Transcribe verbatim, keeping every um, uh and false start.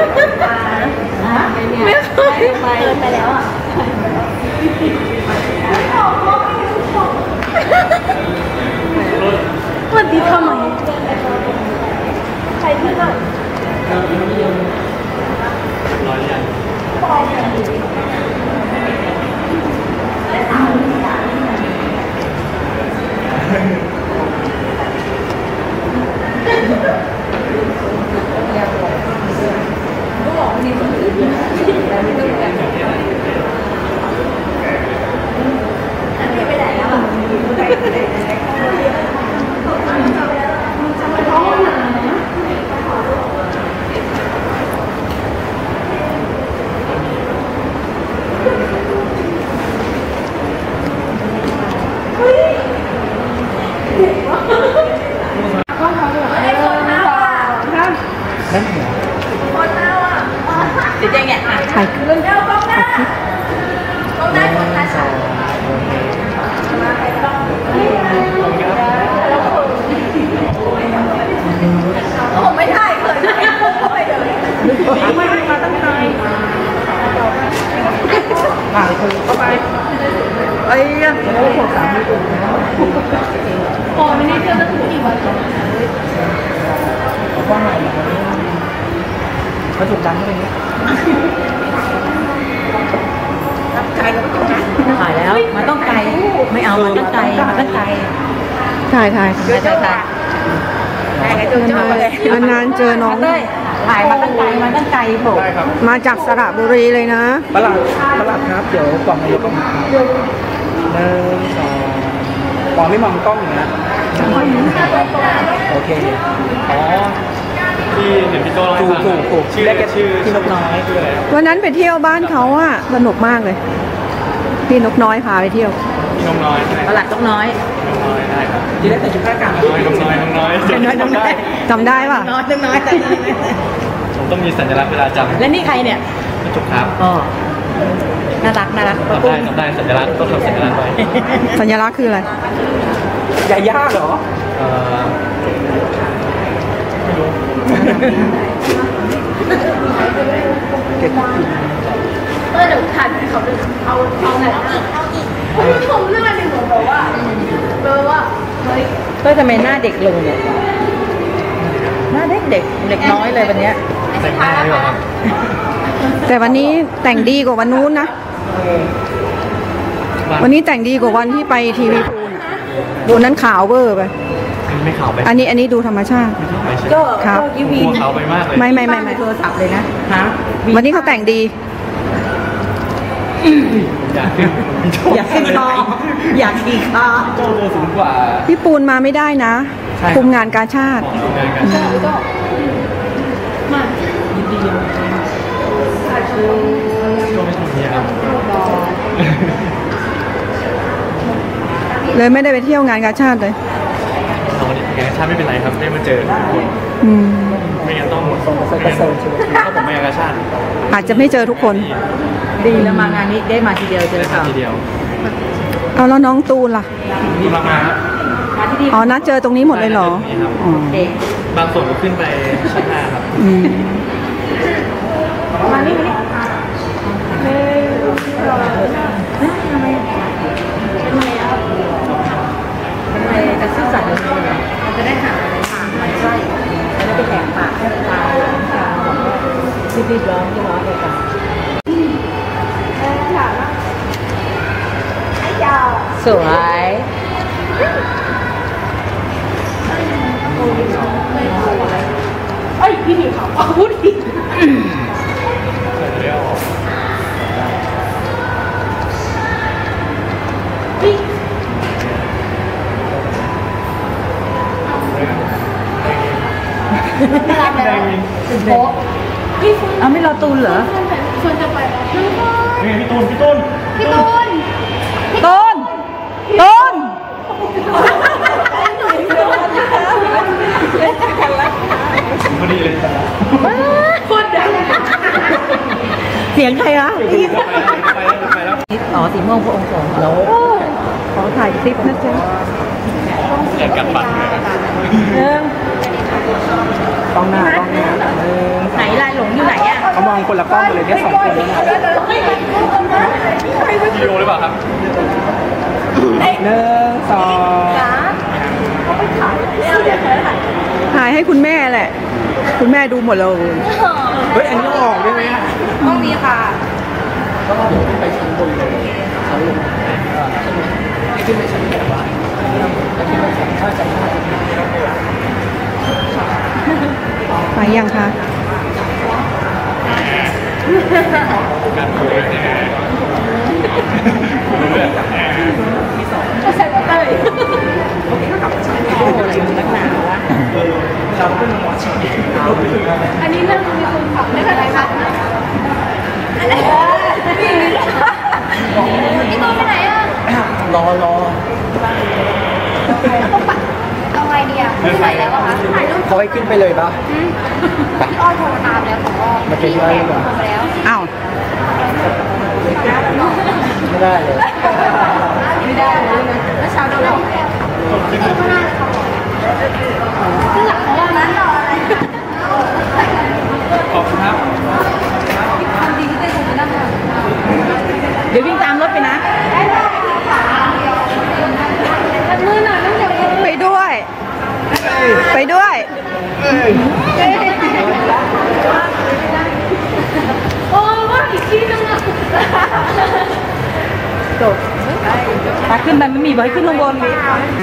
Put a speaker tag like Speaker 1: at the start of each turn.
Speaker 1: ไม่เคยไปไปแล้วอ่ะวันที่ทำไมใครที่ไหนร้อยยังถ่ายคลิปถ่ายคลิปผมไม่ถ่ายเคยไม่เข้าไปเลยไม่ได้มาตั้งใจถ่ายคือเข้าไปไอ้ยังแล้วก็สามที่ตัวพอไม่ได้เจอตั้งกี่วันเขาว่าไงเขาถูกดังอะไรเงี้ยถ่ายแล้วมันต้องไกลไม่เอามันต้องไกลมันต้องไกลถ่ายถ่ายถ่ายถ่ายถ่ายนานๆเจอน้องถ่ายมาตั้งไกลมาตั้งไกลผมมาจากสระบุรีเลยนะประหลัดประหลัดครับเดี๋ยวกล่องนายกต้องหนึ่งสองกล่องไม่มองกล้องอย่างนี้นะโอเคอ๋อที่เห็นพี่โจ้ถูกถูกถูกชื่อชื่อพี่นกน้อยคืออะไรวันนั้นไปเที่ยวบ้านเขาอะสนุกมากเลยพี่นกน้อยพาไปเที่ยวพี่นกน้อยประหลัดนกน้อยนกน้อยได้ครับที่ได้แต่ชุดข้าราชการนกน้อยนกน้อยนกน้อยนกน้อยจำได้ป่ะนกน้อยผมต้องมีสัญลักษณ์เวลาจำและนี่ใครเนี่ยจุกครับอ๋อน่ารักน่ารักจำได้จำได้สัญลักษณ์ต้องทำสัญลักษณ์ไว้สัญลักษณ์คืออะไรยาย่าเหรอไม่รู้เออเดี๋ยวถ่ายเขาเอาเอาไหนเอาอีกเขาชมหน้าหนึ่งเหมือนแบบว่าแบบว่าเฮ้ยเฮ้ยทำไมหน้าเด็กลงเนี่ยหน้าเด็กเด็กเด็กน้อยเลยวันนี้แต่งหน้าดีกว่าครับแต่วันนี้แต่งดีกว่าวันนู้นนะวันนี้แต่งดีกว่าวันที่ไปทีวีพูนวันนั้นขาวเวอร์ไปไม่ขาวไปอันนี้อันนี้ดูธรรมชาติก็ครับยูวีขาวไปมากเลยไม่ไม่ไม่ไม่โทรศัพท์เลยนะฮะวันนี้เขาแต่งดีอยากขึ้นอยากขึ้นคออยากขี่คอโจ้ตัวสูงกว่าพี่ปูนมาไม่ได้นะคุมงานกาชาติก็มายินดีก็ไม่ทำเนี่ยครับเลยไม่ได้ไปเที่ยวงานกาชาติเลยงานกาชาติไม่เป็นไรครับได้มาเจอคนไม่งั้นต้องต้องไปเซิร์ฟถ้าผมไม่งานกาชาติอาจจะไม่เจอทุกคนดีแล้วมางานนี้ได้มาทีเดียวเจอค่ะทีเดียวเอาแล้วน้องตูนล่ะมีมามาอ๋อนัดเจอตรงนี้หมดเลยเหรอบางส่วนก็ขึ้นไปชั้นห้าครับมานี่มานี่ทำไมทำไมอ่ะทำไมจะซื่อสัตย์เลยมันจะได้หาอะไรปากมันไส้แล้วไปแหกปากให้ปากรีบๆร้องที่ร้องเลยกันสวยเอ้ยพี่ผิวขาวอาวุธอีกไม่รับแล้วโป๊ะเอาไม่รอตูนเหรอชวนจะไปนี่พี่ตูนพี่ตูนพี่ตูนตูนตูนพอดีเลยโคตรดังเสียงใครอะอ๋อสีม่วงพระองค์สองแล้วขอถ่ายคลิปนะจ๊ะอยากกัดฟันเลยเริ่มกล้องหน้ากล้องหน้าไหนลายหลงอยู่ไหนอะคนละกล้องกันเลยเนี่ยสองคนแล้วนะ
Speaker 2: วิดีโอหรือเปล่าครับ
Speaker 1: หนึ่งสองถ่ายให้คุณแม่แหละคุณแม่ดูหมดเลยเฮ้ยอันนี้ออกได้ไหม
Speaker 3: ต้องมีค่ะ
Speaker 1: ก็เดี๋ยวไปชั้นบนเลยชั้นลงขึ้นไปชั้นแปดว่าขึ้นไปชั้นห้าชั้นห้าไปยังคะ
Speaker 2: การคุย
Speaker 3: ก็ใส่เต้ยอันนี้เรื่องมีคนขับได้อะไรคะอะไรพี่ตัวไปไหนอ่ะ
Speaker 1: รอรอ
Speaker 3: เอาไงดีอ่ะไม่ไหวแล้วอะคะถ่ายรูป
Speaker 1: เขาให้ขึ้นไปเลยปะ
Speaker 3: พี่อ้อยโทรตามแล้วผมก็
Speaker 1: มาเป็นไรก่อนอ้าวไม่ได้เลย
Speaker 3: ไม่ได้เลยแล้วเช้าโดนแล้วพี่ตัวก็น่าจะขับขึ้นหลังของเรานั้นรออะไร
Speaker 2: ขอบคุณครับ
Speaker 1: เดี๋ยววิ่งตามรถไปนะ
Speaker 3: มือหน่อยต้องจับ
Speaker 1: ไปด้วยไปด้วย
Speaker 3: โอ้ว่าอีกทีนึงอ่ะ
Speaker 1: จบตาขึ้นไปไม่มีบอกให้ขึ้นลงบน